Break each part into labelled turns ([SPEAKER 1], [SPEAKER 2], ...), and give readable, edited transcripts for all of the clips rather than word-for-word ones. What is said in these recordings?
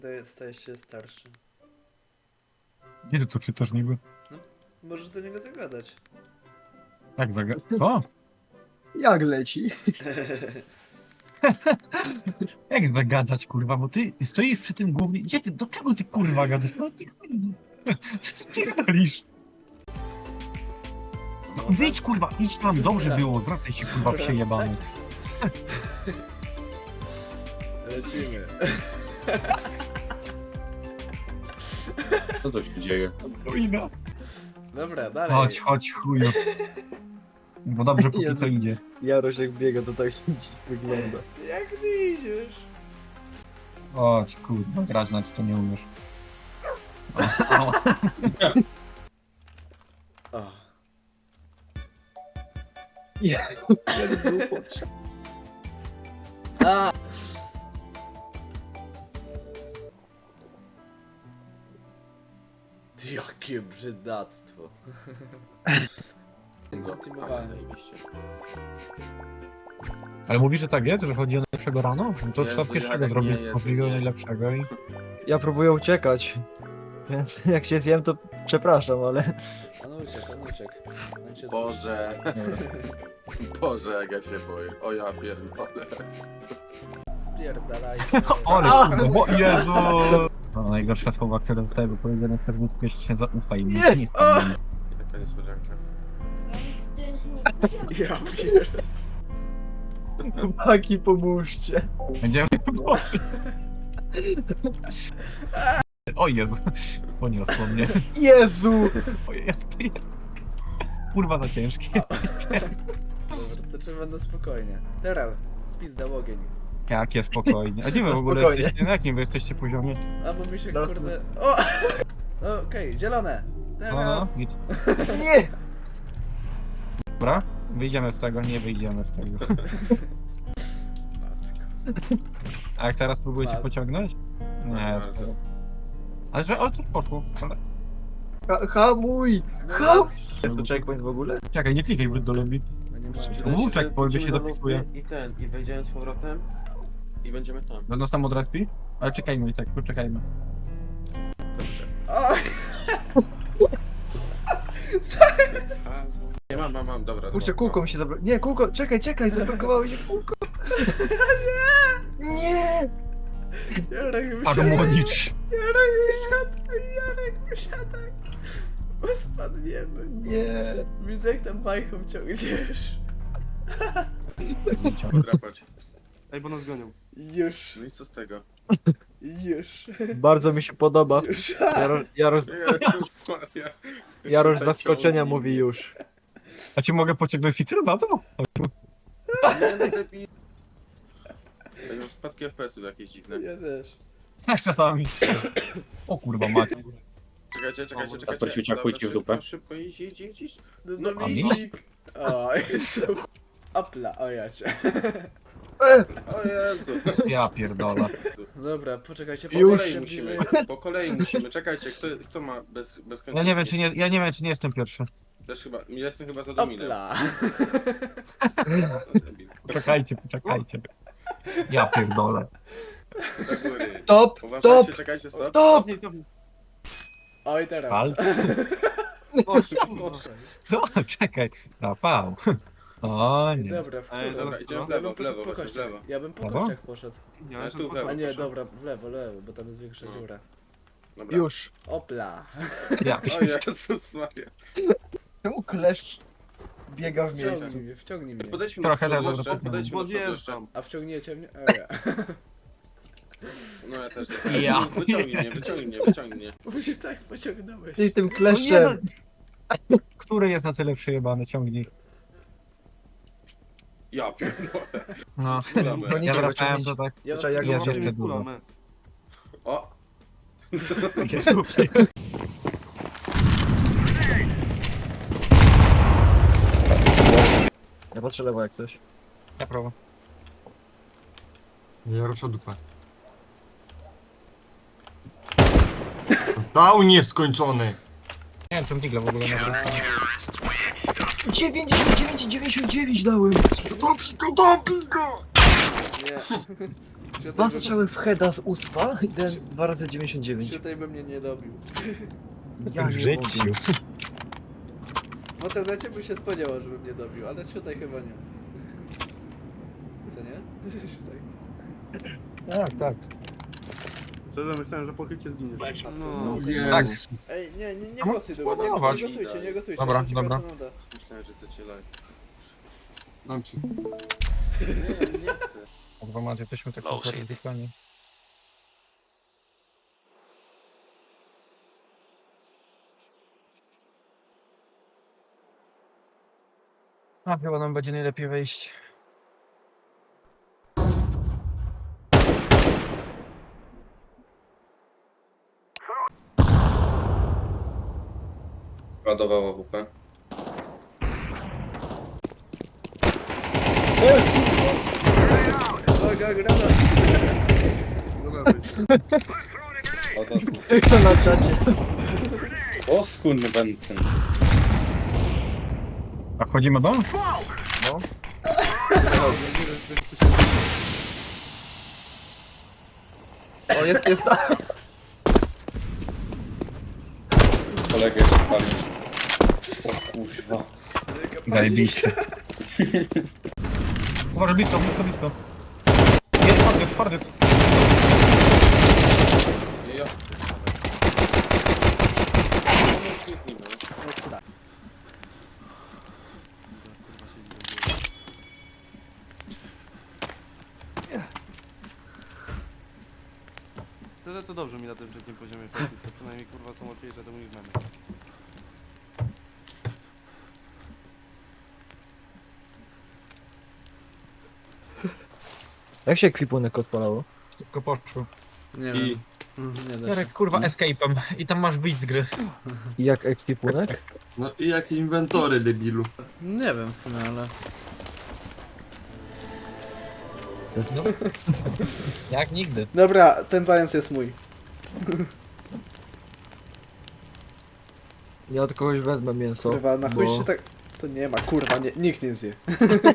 [SPEAKER 1] Stajesz się starszy.
[SPEAKER 2] Gdzie ty to czytasz niby?
[SPEAKER 1] Możesz do niego zagadać.
[SPEAKER 2] Jak Co?
[SPEAKER 3] Jak leci?
[SPEAKER 2] Jak zagadać, kurwa, bo ty stoisz przy tym głównie... Gdzie ty, do czego ty, kurwa, gadasz? No ty, kurwa, co ty pierdolisz? No wyjdź, kurwa, idź tam, dobrze było, zwracaj się, kurwa, przejebany.
[SPEAKER 1] Lecimy.
[SPEAKER 4] Co to się dzieje?
[SPEAKER 2] Chujna.
[SPEAKER 1] Dobra, dalej.
[SPEAKER 2] Chodź, chuju. Bo dobrze póki
[SPEAKER 3] Jezu.
[SPEAKER 2] co idzie.
[SPEAKER 3] Jaroś jak biega, to tak dziś wygląda.
[SPEAKER 1] Jak ty idziesz?
[SPEAKER 2] Chodź, kurwa, grać nawet to nie umiesz. O.
[SPEAKER 1] O.
[SPEAKER 3] Jak był potrzebny.
[SPEAKER 1] A! Jakie brzydactwo. Zatimowałem.
[SPEAKER 2] Ale mówi, że tak jest, że chodzi o najlepszego rano? No to
[SPEAKER 4] Jezu,
[SPEAKER 2] trzeba pierwszego
[SPEAKER 4] jak
[SPEAKER 2] zrobić,
[SPEAKER 4] nie, Jezu,
[SPEAKER 2] możliwie
[SPEAKER 4] nie.
[SPEAKER 2] najlepszego i...
[SPEAKER 3] Ja próbuję uciekać. Więc jak się zjem, to przepraszam, ale...
[SPEAKER 1] On uciekł. On cię
[SPEAKER 4] Boże. Boże, jak ja się boję. O ja pierdolę.
[SPEAKER 1] Spierdalaj.
[SPEAKER 2] Ale kurwa, bo Jezu! No, najgorsze słowa, które zostały wypowiedziane w Facebooku, jeśli się zaufa i nic nie spadnie.
[SPEAKER 4] Taka niespodzianka.
[SPEAKER 5] To jest niespodzianka.
[SPEAKER 1] Ja pierdolę.
[SPEAKER 3] Chłopaki, pomóżcie.
[SPEAKER 2] Będziemy... O Jezu, poniosło mnie.
[SPEAKER 3] Jezu!
[SPEAKER 2] O Jezu, kurwa za ciężkie.
[SPEAKER 1] Dobra, to trzeba na spokojnie. Teraz, pizda ogień.
[SPEAKER 2] Jakie spokojnie. A gdzie wy w ogóle
[SPEAKER 3] Spokojnie.
[SPEAKER 2] jesteście? Na jakim wy jesteście poziomie?
[SPEAKER 1] A bo mi się
[SPEAKER 3] No,
[SPEAKER 1] kurde... O! Okej, zielone.
[SPEAKER 2] No,
[SPEAKER 1] Teraz.
[SPEAKER 2] nic.
[SPEAKER 3] Nie!
[SPEAKER 2] Dobra, wyjdziemy z tego, nie wyjdziemy z tego. A jak teraz próbujecie
[SPEAKER 1] Bardzo.
[SPEAKER 2] pociągnąć? Nie,
[SPEAKER 4] Bardzo.
[SPEAKER 2] to... Ale że, o, coś poszło. Ale...
[SPEAKER 3] Hamuj! Ham! Jest to checkpoint w ogóle?
[SPEAKER 2] Czekaj, nie klikaj wróć do lobby.
[SPEAKER 1] No nie
[SPEAKER 4] Czy
[SPEAKER 1] ma.
[SPEAKER 4] da
[SPEAKER 2] Mów,
[SPEAKER 4] się, że
[SPEAKER 2] jak powiem, że się
[SPEAKER 4] wrócimy do
[SPEAKER 2] dopisuje.
[SPEAKER 4] lobby I ten, i wejdziemy z powrotem i będziemy tam.
[SPEAKER 2] Będą tam od respi? Ale czekajmy i tak, poczekajmy.
[SPEAKER 4] Dobrze.
[SPEAKER 1] O!
[SPEAKER 4] A, nie mam, dobra.
[SPEAKER 3] Kurczę,
[SPEAKER 4] dobra.
[SPEAKER 3] kółko mi się zablokowało. Nie, kółko, czekaj, zablokowało się kółko. Nie!
[SPEAKER 1] Jarek,
[SPEAKER 2] Harmonicz!
[SPEAKER 1] Jarek, wysiadaj! Bo spadniemy.
[SPEAKER 3] Nie!
[SPEAKER 1] Widzę jak tam bajką ciągniesz.
[SPEAKER 4] Drapać.
[SPEAKER 6] Ej, bo nas gonią.
[SPEAKER 1] Już,
[SPEAKER 4] No i co z tego?
[SPEAKER 1] już,
[SPEAKER 3] Bardzo mi się podoba.
[SPEAKER 1] już.
[SPEAKER 4] Jezus Maria.
[SPEAKER 3] Jarosz z zaskoczenia mówi już.
[SPEAKER 2] A ci mogę pociągnąć Cicero na to?
[SPEAKER 4] Nie, najlepiej. Ej, mam spadki FPS-ów jakieś dziwne.
[SPEAKER 1] Ja też.
[SPEAKER 2] Tak czasami. O kurwa macie.
[SPEAKER 4] Czekajcie.
[SPEAKER 6] Kasper Świeciak,
[SPEAKER 4] Dobra,
[SPEAKER 6] pójdźcie w dupę.
[SPEAKER 4] Szybko, idź.
[SPEAKER 1] No
[SPEAKER 2] a mi?
[SPEAKER 1] Dominik. O, Jezu. Opla, o ja cię.
[SPEAKER 4] O Jezu.
[SPEAKER 2] Ja pierdolę.
[SPEAKER 1] Dobra, poczekajcie,
[SPEAKER 4] Po
[SPEAKER 3] Już.
[SPEAKER 4] kolei musimy. Po kolei musimy. Czekajcie, kto ma bez końca?
[SPEAKER 2] Ja nie wiem czy nie jestem pierwszy.
[SPEAKER 4] Też chyba. Ja jestem chyba za Dominem.
[SPEAKER 1] Opla.
[SPEAKER 2] Poczekajcie. Ja pierdolę.
[SPEAKER 4] Do góry.
[SPEAKER 3] Top!
[SPEAKER 4] Uważajcie, czekajcie, stop.
[SPEAKER 3] Top!
[SPEAKER 1] Oj, teraz.
[SPEAKER 2] Pal? No, czekaj. Rafał. O nie.
[SPEAKER 1] Dobra, w
[SPEAKER 6] Ej,
[SPEAKER 1] którą?
[SPEAKER 4] Dobra, idziemy w
[SPEAKER 1] Ja
[SPEAKER 4] lewo,
[SPEAKER 1] bym poszedł
[SPEAKER 4] w lewo,
[SPEAKER 1] po
[SPEAKER 4] chodź, w
[SPEAKER 1] kościach.
[SPEAKER 4] lewo.
[SPEAKER 1] Ja bym po
[SPEAKER 2] Lewo?
[SPEAKER 1] kościach poszedł.
[SPEAKER 6] Nie,
[SPEAKER 4] Ale
[SPEAKER 6] ja
[SPEAKER 4] tu w
[SPEAKER 6] tu
[SPEAKER 4] lewo.
[SPEAKER 1] A nie,
[SPEAKER 6] proszę.
[SPEAKER 1] dobra, w lewo, bo tam jest większa
[SPEAKER 4] No.
[SPEAKER 1] dziura.
[SPEAKER 4] Dobra.
[SPEAKER 3] Już.
[SPEAKER 1] Opla.
[SPEAKER 2] Ja
[SPEAKER 4] O Jezus Maria.
[SPEAKER 3] Czemu kleszcz biega w miejscu?
[SPEAKER 1] Wciągnij mnie.
[SPEAKER 4] Podejdźmy
[SPEAKER 2] Trochę
[SPEAKER 4] do przodu
[SPEAKER 2] lewo,
[SPEAKER 4] jeszcze,
[SPEAKER 2] do
[SPEAKER 4] podejdźmy do przodu jeszcze.
[SPEAKER 6] Podjeżdżam.
[SPEAKER 1] A wciągniecie mnie? O ja.
[SPEAKER 4] No ja też.
[SPEAKER 2] Ja.
[SPEAKER 4] Wyciągnij mnie.
[SPEAKER 1] Bo mnie tak pociągnąłeś.
[SPEAKER 3] Ty tym kleszczem.
[SPEAKER 2] Który jest na tyle przejebany? Ciągnij.
[SPEAKER 4] Ja pierdolę.
[SPEAKER 2] No.
[SPEAKER 4] Kulamy.
[SPEAKER 3] No nie
[SPEAKER 2] Ja
[SPEAKER 3] trzeba
[SPEAKER 2] wracałem
[SPEAKER 3] ciągnić.
[SPEAKER 2] to tak.
[SPEAKER 1] Ja was
[SPEAKER 3] Czekaj, jak
[SPEAKER 2] Jest
[SPEAKER 3] go
[SPEAKER 2] jeszcze dużo.
[SPEAKER 6] Kulamy.
[SPEAKER 4] O!
[SPEAKER 2] Jezu.
[SPEAKER 3] Ja patrzę lewo jak coś.
[SPEAKER 2] Ja prawo.
[SPEAKER 7] Ja ruszę dupę. Dał nieskończony!
[SPEAKER 2] Nie wiem, czym Digla w ogóle nie wracał.
[SPEAKER 3] 99 dałem!
[SPEAKER 7] Dopi go!
[SPEAKER 1] Nie.
[SPEAKER 3] Dwa strzały w heada z uspa i dałem 2 razy 99.
[SPEAKER 1] Tutaj by mnie nie dobił.
[SPEAKER 3] Ja
[SPEAKER 2] W
[SPEAKER 3] nie
[SPEAKER 2] życiu.
[SPEAKER 3] mogę.
[SPEAKER 1] No to za ciebie się spodziewał, żeby mnie dobił, ale tutaj chyba nie. Co nie? Tutaj.
[SPEAKER 2] Tak, tak.
[SPEAKER 6] Szczerze myślałem, że po chycie zginiesz.
[SPEAKER 1] No,
[SPEAKER 2] Tak.
[SPEAKER 1] Ej, nie
[SPEAKER 2] No,
[SPEAKER 1] głosuj, Duma, nie
[SPEAKER 2] spodobać.
[SPEAKER 1] głosujcie, nie głosujcie.
[SPEAKER 2] Dobra,
[SPEAKER 1] jestem ciekaw,
[SPEAKER 2] dobra.
[SPEAKER 1] co nam da.
[SPEAKER 4] Myślałem, że chcecie live.
[SPEAKER 6] Dam ci.
[SPEAKER 4] Nie chcę.
[SPEAKER 2] Kurwa, macie, jesteśmy tak kompletnie. A chyba nam będzie najlepiej wejść.
[SPEAKER 4] Ładowała WP.
[SPEAKER 1] Uwaga, granat!
[SPEAKER 3] Kto na czacie?
[SPEAKER 4] O skurny Benson.
[SPEAKER 2] A wchodzimy do?
[SPEAKER 3] No. O, jest tam.
[SPEAKER 4] Kolegę spalił. O kurwa.
[SPEAKER 2] Zajebiście. Uważaj, blisko, blisko, blisko. Jest twardy.
[SPEAKER 4] Ja.
[SPEAKER 6] Szczerze to dobrze mi na tym trzecim poziomie kwestii, to przynajmniej kurwa są łatwiejsze do moich memów.
[SPEAKER 3] Jak się ekwipunek odpalało?
[SPEAKER 2] Szybko poszło.
[SPEAKER 1] Nie
[SPEAKER 4] I
[SPEAKER 1] wiem. Nie da się.
[SPEAKER 2] Jarek, kurwa, escape'em. I tam masz wyjść z gry.
[SPEAKER 3] I jak ekwipunek?
[SPEAKER 6] No i jakie inwentory, debilu.
[SPEAKER 1] Nie wiem w sumie, ale...
[SPEAKER 2] No. Jak nigdy.
[SPEAKER 1] Dobra, ten zając jest mój.
[SPEAKER 3] Ja od kogoś wezmę mięso.
[SPEAKER 1] Kurwa, na chuj
[SPEAKER 3] bo-
[SPEAKER 1] się tak... To nie ma, kurwa, nikt nie zje.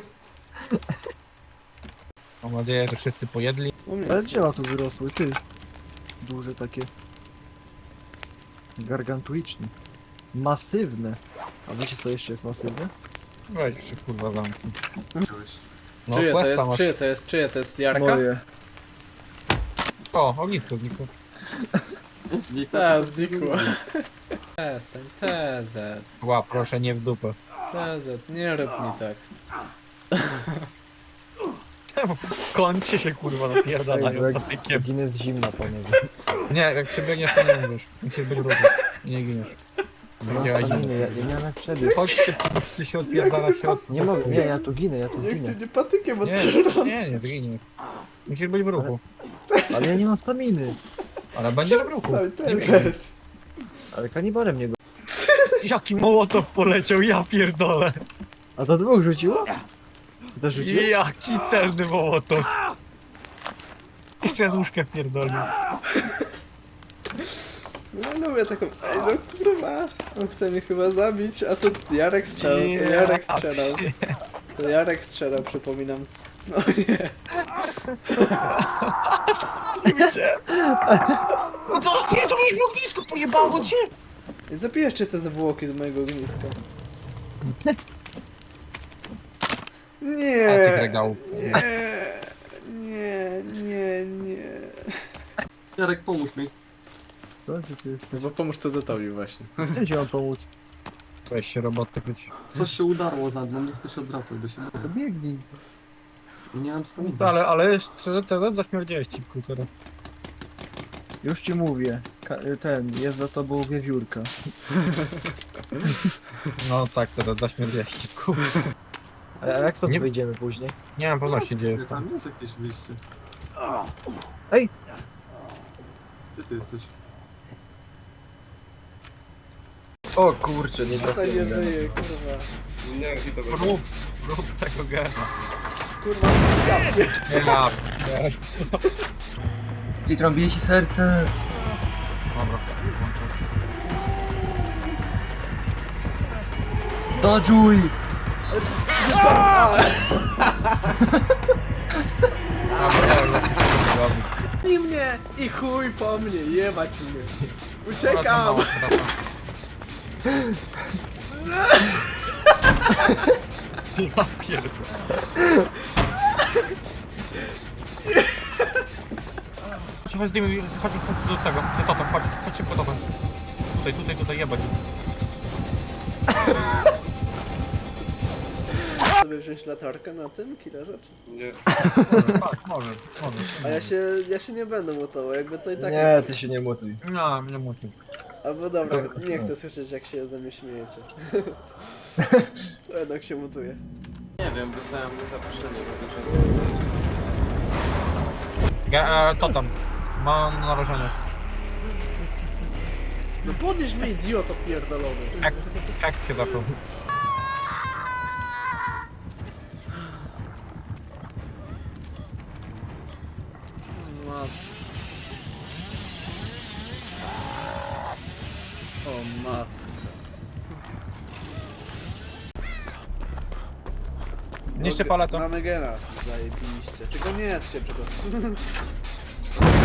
[SPEAKER 2] Mam nadzieję, że wszyscy pojedli.
[SPEAKER 1] U mnie
[SPEAKER 3] Ale
[SPEAKER 1] jest.
[SPEAKER 3] drzewa tu wyrosły, ty. Duże takie. Gargantuiczne. Masywne. A wiecie co jeszcze jest masywne?
[SPEAKER 2] Weź się, kurwa, zamknij. No,
[SPEAKER 1] Czyje to
[SPEAKER 2] questa
[SPEAKER 1] jest,
[SPEAKER 2] masz.
[SPEAKER 1] czyje to jest Jarka?
[SPEAKER 3] Moje.
[SPEAKER 2] O, ognisko znikło.
[SPEAKER 1] Tak, znikło. Przestań, TZ.
[SPEAKER 2] Ła, proszę, nie w dupę.
[SPEAKER 1] TZ, nie rób mi tak.
[SPEAKER 2] Kończy się, kurwa, napierdalają
[SPEAKER 3] jak
[SPEAKER 2] patykiem.
[SPEAKER 3] ginę z zimna, panowie.
[SPEAKER 2] Nie, jak przebiegniesz, to nie mówisz. Musisz być w ruchu. I nie giniesz.
[SPEAKER 3] Ja nie mam jak przebiec.
[SPEAKER 2] Chodźcie się odpierdala się od...
[SPEAKER 3] Nie mogę, nie, ja tu ginę, ja tu
[SPEAKER 1] Niech ty
[SPEAKER 3] zginę.
[SPEAKER 1] nie patykiem
[SPEAKER 2] Nie,
[SPEAKER 1] odtrząsa.
[SPEAKER 2] nie, zginiesz. Musisz być w ruchu.
[SPEAKER 3] Ale ja nie mam staminy.
[SPEAKER 2] Ale będziesz w ruchu.
[SPEAKER 1] Przestań, TZ.
[SPEAKER 3] Ale kanibalem nie go.
[SPEAKER 2] Jaki mołotow poleciał, ja pierdolę.
[SPEAKER 3] A to dwóch rzuciło? To rzuciło?
[SPEAKER 2] Jaki celny mołotow. Jeszcze łóżkę pierdolił.
[SPEAKER 1] No lubię taką... Ej, no kurwa. On chce mnie chyba zabić, a to Jarek strzelał, to Jarek strzelał. To Jarek strzelał, przypominam. No nie.
[SPEAKER 2] No to pierdolisz w ognisku, pojebało cię.
[SPEAKER 1] I zabijesz te zwłoki z mojego ogniska. Nie.
[SPEAKER 2] A tych regałów.
[SPEAKER 1] Nie.
[SPEAKER 6] Jarek, pomóż mi.
[SPEAKER 3] Co ci ty jesteś?
[SPEAKER 1] No bo pomóż TZ-owi właśnie.
[SPEAKER 3] Chcę ci mam pomóc.
[SPEAKER 2] Weź się roboty być.
[SPEAKER 6] Coś się udarło za mną, nie chcę się odwracać do siebie.
[SPEAKER 3] To biegnij.
[SPEAKER 6] Nie mam staminy.
[SPEAKER 2] Ale szczerze, teraz zaśmierdziałeś cipku teraz.
[SPEAKER 3] Już ci mówię. Ten, jest za tobą wiewiórka.
[SPEAKER 2] No tak, teraz zaśmierdziałeś cipku.
[SPEAKER 3] A jak stąd
[SPEAKER 2] Nie-
[SPEAKER 3] wyjdziemy później?
[SPEAKER 2] Nie mam pewności, gdzie jest to.
[SPEAKER 6] Tam jest jakieś wyjście.
[SPEAKER 3] Ej!
[SPEAKER 6] Gdzie ty jesteś?
[SPEAKER 3] O kurczę, nie
[SPEAKER 1] Tutaj nie żyje, kurwa.
[SPEAKER 2] Rób tego gena.
[SPEAKER 1] Kurwa, ja pier...
[SPEAKER 2] Nie ma.
[SPEAKER 3] I trąbije ci serce.
[SPEAKER 2] Dobra.
[SPEAKER 3] Dodżuj!
[SPEAKER 1] I mnie! I chuj po mnie, jebać mnie. Uciekam!
[SPEAKER 2] Ja pierdolę. Chodź, zdejmij, chodź do tego, do tata, chodź szybko tata. Tutaj, jebać.
[SPEAKER 1] Sobie wziąć latarkę na tym killerze? Czy...
[SPEAKER 4] Nie.
[SPEAKER 2] Tak, może.
[SPEAKER 1] A ja się nie będę mutował, jakby to i tak...
[SPEAKER 3] Nie, ty się nie mutuj.
[SPEAKER 2] No, nie musi.
[SPEAKER 1] Albo dobra, nie chcę słyszeć jak się ze mnie śmiejecie. To jednak się mutuje.
[SPEAKER 4] Nie wiem, dostałem zaproszenie.
[SPEAKER 2] Totem. Mam narażenie.
[SPEAKER 1] No podnieś mnie idioto pierdolony.
[SPEAKER 2] Jak się zaczął?
[SPEAKER 1] Matko. O matko.
[SPEAKER 2] Niszczy paletę.
[SPEAKER 1] Mamy gena, zajebiście. Tylko nie, tylko